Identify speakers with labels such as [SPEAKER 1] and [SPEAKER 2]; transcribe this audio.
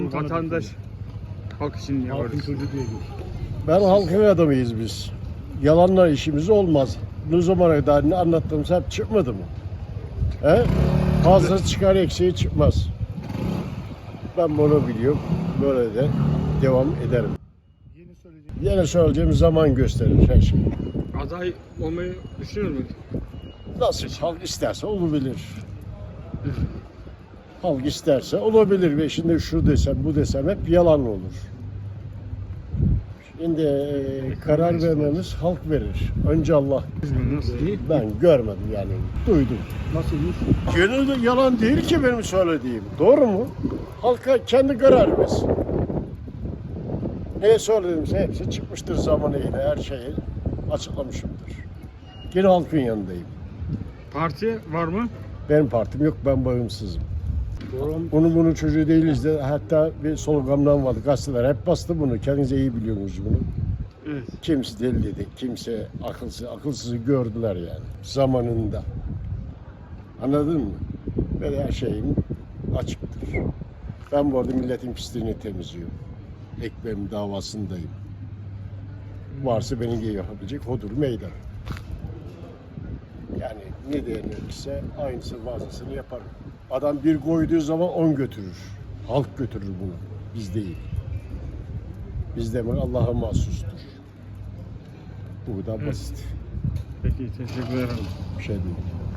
[SPEAKER 1] vatandaş halk için
[SPEAKER 2] Halkın
[SPEAKER 1] yaparız.
[SPEAKER 2] çocuğu diye gör.
[SPEAKER 3] Ben halkın adamıyız biz. Yalanla işimiz olmaz. Ne zamana kadar ne anlattığımız hep çıkmadı mı? He? Fazlası çıkar, eksiği çıkmaz. Ben bunu biliyorum. Böyle de devam ederim.
[SPEAKER 2] Yeni söyleyecek.
[SPEAKER 3] Yine söyleyeceğim zaman gösterir her şey.
[SPEAKER 1] Aday olmayı düşünüyor musun?
[SPEAKER 3] Nasıl halk isterse olabilir. Halk isterse olabilir ve şimdi şu desem bu desem hep yalan olur. Şimdi karar vermemiz halk verir. Önce Allah.
[SPEAKER 1] Nasıl değil?
[SPEAKER 3] Ben görmedim yani duydum.
[SPEAKER 2] Nasılmış?
[SPEAKER 3] Gönülde yalan değil ki benim söylediğim. Doğru mu? Halka kendi karar versin. Ne söylediğimse hepsi çıkmıştır zamanıyla. Her şeyi açıklamışımdır. Yine halkın yanındayım.
[SPEAKER 1] Parti var mı?
[SPEAKER 3] Benim partim yok, ben bağımsızım.
[SPEAKER 2] Doğru.
[SPEAKER 3] Bunun çocuğu değiliz de hatta bir slogandan vardı. Gazeteler hep bastı bunu. Kendinize iyi biliyorsunuz bunu.
[SPEAKER 1] Evet.
[SPEAKER 3] Kimse deli dedi, kimse akılsızı gördüler yani zamanında. Anladın mı? Böyle her şeyim açıktır. Ben bu arada milletin pisliğini temizliyorum. Ekmeğim davasındayım. Varsa beni yapabilecek odur meydan. Yani ne denirse aynısı fazlasını yaparım. Adam bir koyduğu zaman 10 götürür. Halk götürür bunu. Biz değil. Biz demek Allah'a mahsustur. Bu kadar basit.
[SPEAKER 1] Peki teşekkür ederim.
[SPEAKER 3] Bir şey değil.